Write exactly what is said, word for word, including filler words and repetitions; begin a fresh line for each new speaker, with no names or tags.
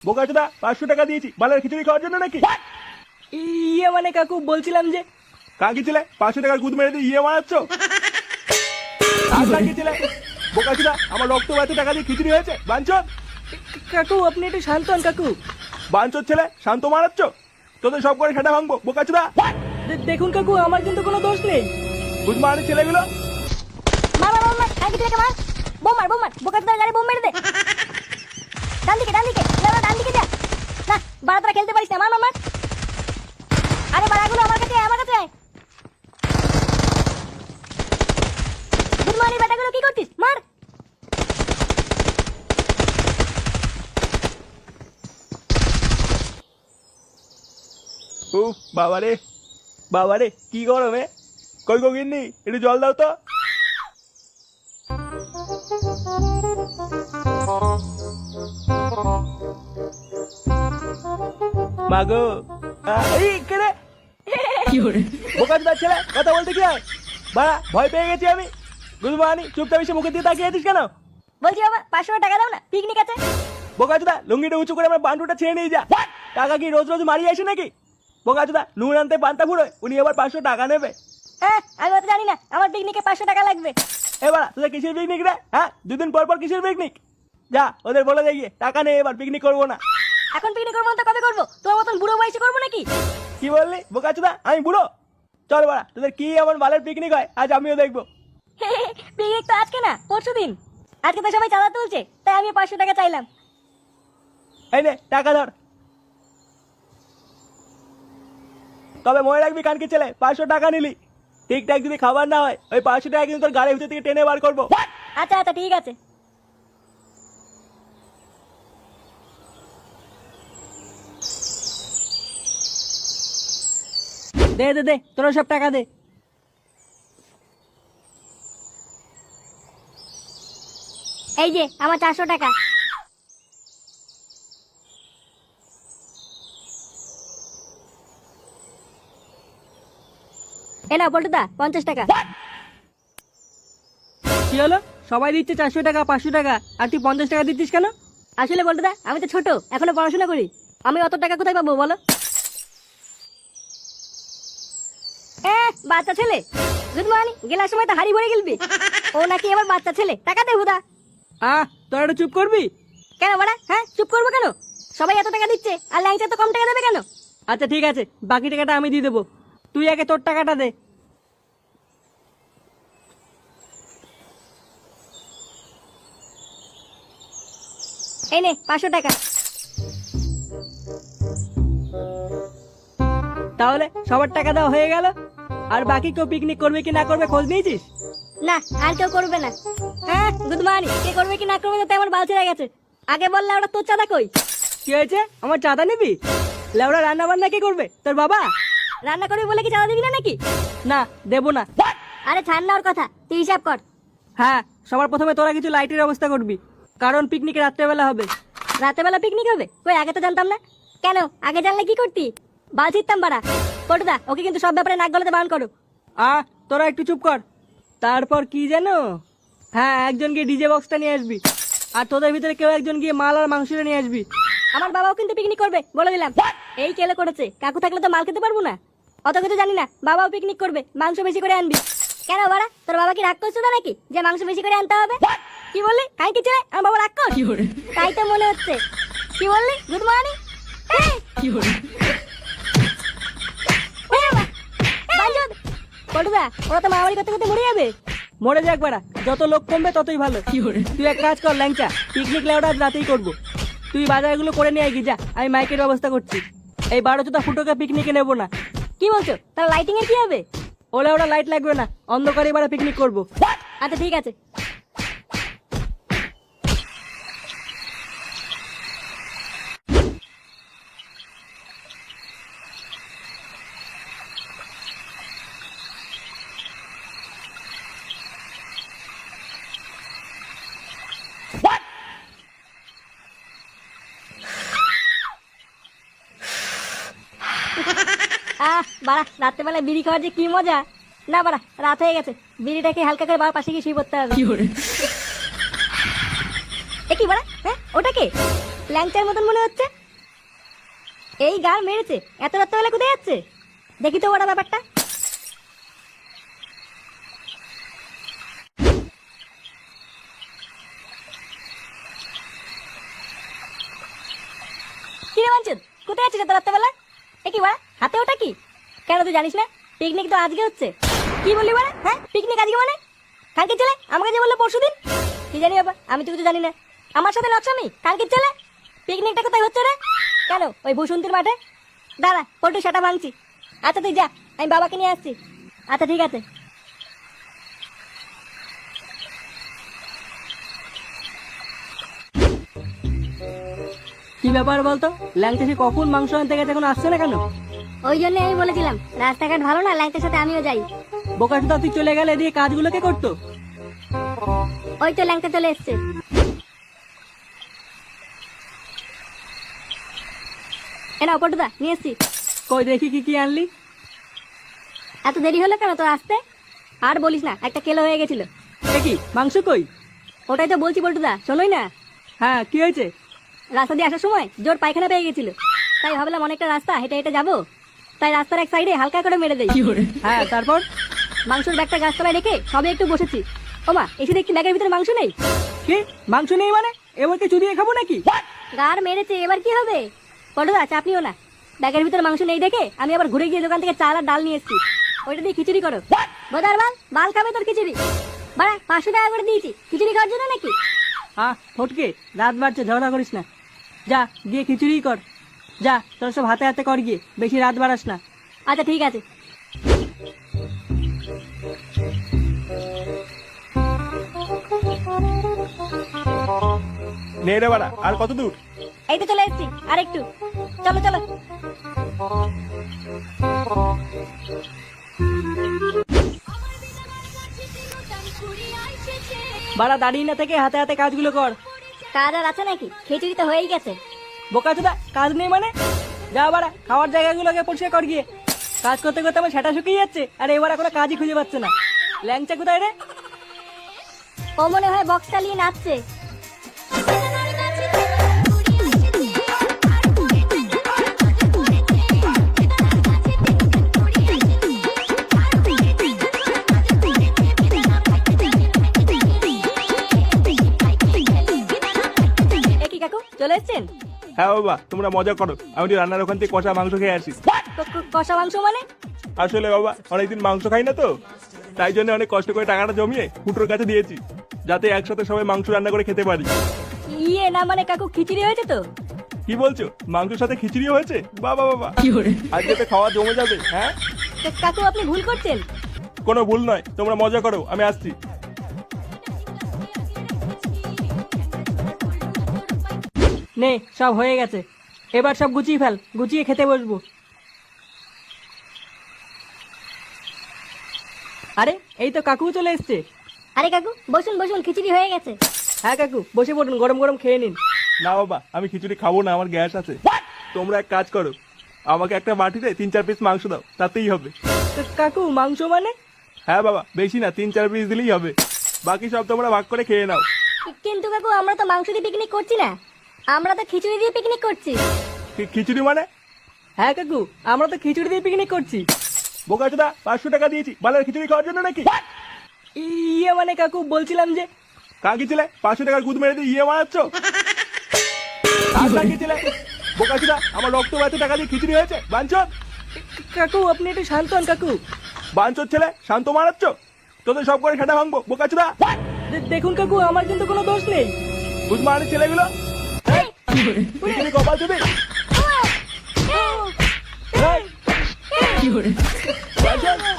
বোকাচোদা পাঁচশো টাকা দিয়েছি বালের খিচুড়ি খাওয়ার জন্য নাকি?
ইয়ে মানে কাকু বলছিলাম যে
কাকি ছেলে পাঁচশো টাকার গুদ মেরে দিয়ে ইয়ে মারাচ্ছ? আর কাকি ছেলে বোকাচোদা আমার রক্ত বাড়তে টাকা দিয়ে খিচুড়ি হয়েছে বাঞ্চন।
কাকু আপনি একটু শান্ত হন কাকু।
বাঞ্চন ছেলে শান্ত মারাচ্ছ? তোদের সব করে সেটা ভাঙবো বোকাচোদা।
দে- দেখুন কাকু আমার কিন্তু কোনো দোষ নেই।
গুদ মারানি ছেলেগুলো।
মার মার মার মার কাকি ছেলেকে মার। বোম মার বোম মার বোকাচোদার গাড়ি বোম মেরে দে। ডান দিকে ডান দিকে লেওড়া ডান দিকে যা। না বাড়া তোরা খেলতে পারিস না মার মার মার। আরে বাড়াগুলো আমার কাছে আয়, আমার কাছে আয়। গুড মর্নিং বেটাগুলো কি করছিস মার।
উফ বাবারে বাবারে কি গরমে। কই গো গিন্নি একটু জল দাও তো। মাগো এই কেরে বোকাচোদার ছেলে কথা বলতে কি হয়? বাড়া ভয় পেয়ে গেছি আমি। গুড মর্নিং চুপচাপ এসে মুখের দিয়ে তাকিয়ে আছিস কেন?
বলছি বাবা পাঁচশো টাকা দাও না পিকনিক আছে।
বোকাচোদা লুঙ্গিটা উঁচু করে আমার বান্টুটা ছেড়ে নিয়ে যা। টাকা কি রোজ রোজ মারিয়ে আসে নাকি? বোকাচোদা নুন আনতে পান্তা ফুরোয় উনি আবার পাঁচশো টাকা নেবে।
হ্যাঁ আমি অত জানি না আমার পিকনিকে পাঁচশো টাকা লাগবে।
এবার তোদের কিসের পিকনিক রে? হ্যাঁ দুদিন পর পর কিসের পিকনিক? যা ওদের বলে দেখিয়ে টাকা নেই এবার পিকনিক করবো না।
এখন পিকনিক করবো না তো কবে করবো? তোর মতন বুড়ো বয়সে করবো নাকি?
কি বললি বোকাচোদা আমি বুড়ো? চল বাড়া তোদের কি এমন বালের পিকনিক হয় আজ আমিও দেখবো।
পিকনিক তো আজকে না পরশু দিন। আজকে তো সবাই চাঁদা তুলছে তাই আমি পাঁচশো টাকা চাইলাম।
এই নে টাকা ধর। তবে মনে রাখবি কানকি ছেলে পাঁচশো টাকা নিলি। ঠিকঠাক যদি খাবার না হয় ওই পাঁচশো টাকা কিন্তু তোর গাড়ির ভিতর থেকে টেনে বার করবো।
আচ্ছা আচ্ছা ঠিক আছে।
দে দে দে তোরা সব টাকা দে।
এই যে আমার চারশো টাকা। এ নাও পল্টুদা পঞ্চাশ টাকা।
কি হলো সবাই দিচ্ছে চারশো টাকা পাঁচশো টাকা আর তুই পঞ্চাশ টাকা দিচ্ছিস কেন?
আসলে পল্টুদা আমি তো ছোট এখনো পড়াশোনা করি। আমি অত টাকা কোথায় পাবো বলো? এ বাচ্চা ছেলে গুড মর্নিং গেলার সময় তো হাড়ি ভরে গেলবি। ও নাকি আমার বাচ্চা ছেলে টাকা দে হুদা।
আহ তোরা একটু চুপ করবি?
কেন বড়া হ্যাঁ চুপ করবো কেন? সবাই এত টাকা দিচ্ছে আর ল্যাংচা তো কম টাকা দেবে কেন?
আচ্ছা ঠিক আছে বাকি টাকাটা আমি দিয়ে দেবো। তুই আগে তোর টাকাটা দে।
এই নে পাঁচশো টাকা।
তাহলে সবার টাকা দেওয়া হয়ে গেল। আর বাকি কেউ পিকনিক করবে কি না করবে খোঁজ নিয়েছিস?
না আর কেউ করবে না। হ্যাঁ গুড মর্নিং কে করবে কি না করবে তাতে আমার বাল ছেড়ে গেছে। আগে বললে ওটা তোর চাঁদা কই?
কি হয়েছে আমার চাঁদা নিবি? লেওড়া রান্না বান্না কে করবে তোর বাবা?
রান্না করবি বলে কি চাঁদা দিবি না নাকি?
না দেবো না।
আরে ছাড় না ওর কথা তুই হিসাব কর।
হ্যাঁ সবার প্রথমে তোরা কিছু লাইটের ব্যবস্থা করবি কারণ পিকনিকে রাত্রেবেলা হবে।
রাতেবেলা পিকনিক হবে? কই আগে তো জানতাম না। কেন আগে জানলে কি করতি? বাল ছিটতাম বাড়া। পটুদা ওকে কিন্তু সব ব্যাপারে নাক গলাতে বারণ করো।
আহ তোরা একটু চুপ কর। তারপর কি জানো? হ্যাঁ একজন গিয়ে ডিজে বক্সটা নিয়ে আসবি আর তোদের ভিতরে কেউ একজন গিয়ে মাল আর মাংসটা নিয়ে আসবি।
আমার বাবাও কিন্তু পিকনিক করবে বলে দিলাম। এই কেলে করেছে কাকু থাকলে তো মাল খেতে পারবো না। অত কিছু জানি না বাবাও পিকনিক করবে মাংস বেশি করে আনবি। কেন বাড়া তোর বাবা কি রাগ করছো না নাকি যে মাংস বেশি করে আনতে হবে? কি বললি কাই কি ছেলে আমার বাবা রাগ কর? তাই তো মনে হচ্ছে। কি বললি গুড মর্নিং? পটুদা ওরা তো মারামারি করতে করতে মরে যাবে।
মরে যাক বাড়া যত লোক কমবে ততই ভালো। তুই এক কাজ কর ল্যাংচা পিকনিক লেওটা আজ রাতেই করবো। তুই বাজারগুলো করে নিয়ে গিয়ে যা আমি মাইকের ব্যবস্থা করছি। এই বারো চোদ্দ ফুটোকে পিকনিকে নেবো না।
কি বলছো তার লাইটিং এর কি হবে?
ওলে ওরা লাইট লাগবে না অন্ধকারে এবারে পিকনিক করবো।
আচ্ছা ঠিক আছে। আহ বাড়া রাত্রেবেলায় বিড়ি খাওয়ার যে কি মজা। না বাড়া রাত হয়ে গেছে বিড়িটাকে হালকা করে বাবার পাশে গিয়ে শুয়ে পড়তে হবে। এ কি বাড়া হ্যাঁ ওটা কে? ল্যাংচার মতন মনে হচ্ছে। এই গাল মেরেছে, এত রাত্রেবেলা কোথায় যাচ্ছে? দেখি তো ওরা ব্যাপারটা। কি রে বাঞ্চদ, কোথায় যাচ্ছিস এত রাত্রেবেলা? এ কি বাড়া, হাতে ওটা কি? কেন তুই জানিস না পিকনিক তো আজকে হচ্ছে? কি বললি বাড়া? হ্যাঁ, পিকনিক আজকে মানে? কালকে ছেলে আমাকে যে বললো পরশু দিন। কি জানি বাবা, আমি তো কিছু জানি না। আমার সাথে লক্ষ্মী কালকে ছেলে, পিকনিকটা কোথায় হচ্ছে রে? কেন ওই বসন্তীর মাঠে? দাঁড়া পল্টু সেটা ভাঙছি। আচ্ছা তুই যা, আমি বাবাকে নিয়ে আসছি। আচ্ছা ঠিক আছে।
কি ব্যাপার বলতো, ল্যাংচা সে কখন মাংস আনতে গেছে এখন আসছে না কেন?
ওই জন্য আমি বলেছিলাম রাস্তাঘাট ভালো না, ল্যাংটার সাথে আমিও যাই।
বোকাচোদা তুই চলে গেলে দিয়ে কাজগুলো কে করতো?
ওই তো ল্যাংটা চলে এসছে। এনা পল্টুদা নিয়ে এসছি।
কই দেখি কি কি আনলি।
এত দেরি হলো কেন তোর আসতে? আর বলিস না, একটা কেলো হয়ে গেছিল।
দেখি মাংস কই?
ওটাই তো বলছি পল্টুদা, শোনোই না।
হ্যাঁ কি হয়েছে?
রাস্তা দিয়ে আসার সময় জোর পায়খানা পেয়ে গেছিল, তাই ভাবলাম অনেকটা রাস্তা হেঁটে হেঁটে যাবো, তাই রাস্তার এক সাইডে হালকা করে মেরে দেই।
হ্যাঁ তারপর?
মাংসের ব্যাগটা গাছতলায় রেখে সবে একটু বসেছি। ওমা এসে দেখছি ব্যাগের ভিতরে মাংস নেই।
কি মাংস নেই মানে? এবার কি চুরিয়ে খাবো নাকি?
গার মেরেছে, এবার কি হবে? পল্টুদা চাপ নিও না, ব্যাগের ভিতরে মাংস নেই দেখে আমি আবার ঘুরে গিয়ে দোকান থেকে চাল আর ডাল নিয়ে এসেছি। ওইটা দিয়ে খিচুড়ি করো। বোধার বাল, বাল খাবে তোর খিচুড়ি। বাড়া পাঁচশো টাকা করে দিয়েছি খিচুড়ি খাওয়ার জন্য নাকি?
হ্যাঁ ফটকে, রাত বাড়ছে, ঝগড়া করিস না। যা গিয়ে খিচুড়ি কর। যা তোর সব হাতে হাতে কর গিয়ে, বেশি রাত বাড়াস না।
আচ্ছা ঠিক আছে।
নে রে বাড়া, আর কত দূর?
এই তো চলে এসেছি, আর একটু। চলো চলো।
বাড়া দাঁড়িয়ে না থেকে হাতে হাতে কাজগুলো কর।
কাজ আর আছে নাকি? খিচুড়ি তো হয়েই গেছে।
বোকাচোদা কাজ নেই মানে? যা বাড়া খাওয়ার জায়গাগুলোকে পরিষ্কার কর গিয়ে। কাজ করতে করতে আমার সেটা শুকিয়ে যাচ্ছে, আর এবার এখনো কাজই খুঁজে পাচ্ছে না। ল্যাংচা কোথায় রে?
ও মনে হয় বক্স চালিয়ে নাচছে। এ কি কাকু চলে এসছেন?
হ্যাঁ বাবা, তোমরা মজা করো, আমি একটু রান্নার ওখান থেকে কষা মাংস খেয়ে আসি।
ক- ক- কষা মাংস মানে?
আসলে বাবা অনেকদিন মাংস খাই না তো, তাই জন্য অনেক কষ্ট করে টাকাটা জমিয়ে ফুটোর কাছে দিয়েছি, যাতে একসাথে সবাই মাংস রান্না করে খেতে পারি।
ইয়ে না মানে কাকু খিচুড়ি হয়েছে তো?
কি বলছো, মাংসের সাথে খিচুড়ি হয়েছে? বাবা বাবা, আজকে তো খাওয়া জমে যাবে। হ্যাঁ
কা- কাকু আপনি ভুল করছেন।
কোনো ভুল নয়, তোমরা মজা করো, আমি আসছি।
নে সব হয়ে গেছে, এবার সব গুছিয়ে ফেল, গুছিয়ে খেতে বসবো। আরে এই তো কাকু চলে এসছে।
আরে কাকু বসুন বসুন, খিচুড়ি হয়ে গেছে।
হ্যাঁ কাকু বসে পড়ুন, গরম গরম খেয়ে নিন।
না বাবা, আমি খিচুড়ি খাবো না, আমার গ্যাস আছে। তোমরা এক কাজ করো, আমাকে একটা বাটিতে তিন চার পিস মাংস দাও, তাতেই হবে।
তো কাকু মাংস মানে?
হ্যাঁ বাবা, বেশি না, তিন চার পিস দিলেই হবে, বাকি সব তোমরা ভাগ করে খেয়ে নাও।
কি- কিন্তু কাকু আমরা তো মাংস দিয়ে পিকনিক করছি না, আমরা তো খিচুড়ি দিয়ে পিকনিক করছি।
কি- খিচুড়ি মানে?
হ্যাঁ কাকু আমরা তো খিচুড়ি দিয়ে পিকনিক করছি।
বোকাচোদা, পাঁচশো টাকা দিয়েছি বালের খিচুড়ি খাওয়ার জন্য নাকি?
ইয়ে মানে কাকু বলছিলাম যে,
কাকি ছেলে, পাঁচশো টাকার গুদ মেরে দিয়ে ইয়ে মারাচ্ছ? কাকি ছেলে, বোকাচোদা, আমার রক্ত এত টাকা দিয়ে খিচুড়ি হয়েছে, বাঞ্চদ।
কাকু আপনি একটু শান্ত হন কাকু।
বাঞ্চদ ছেলে, শান্ত মারাচ্ছ? তোদের সব করে সেটা ভাঙবো, বোকাচোদা।
দে- দেখুন কাকু আমার কিন্তু কোনো দোষ নেই।
বুঝমানের ছেলেগুলো খিচুড়ি কপাল চুদি। এই, বাঞ্চদ,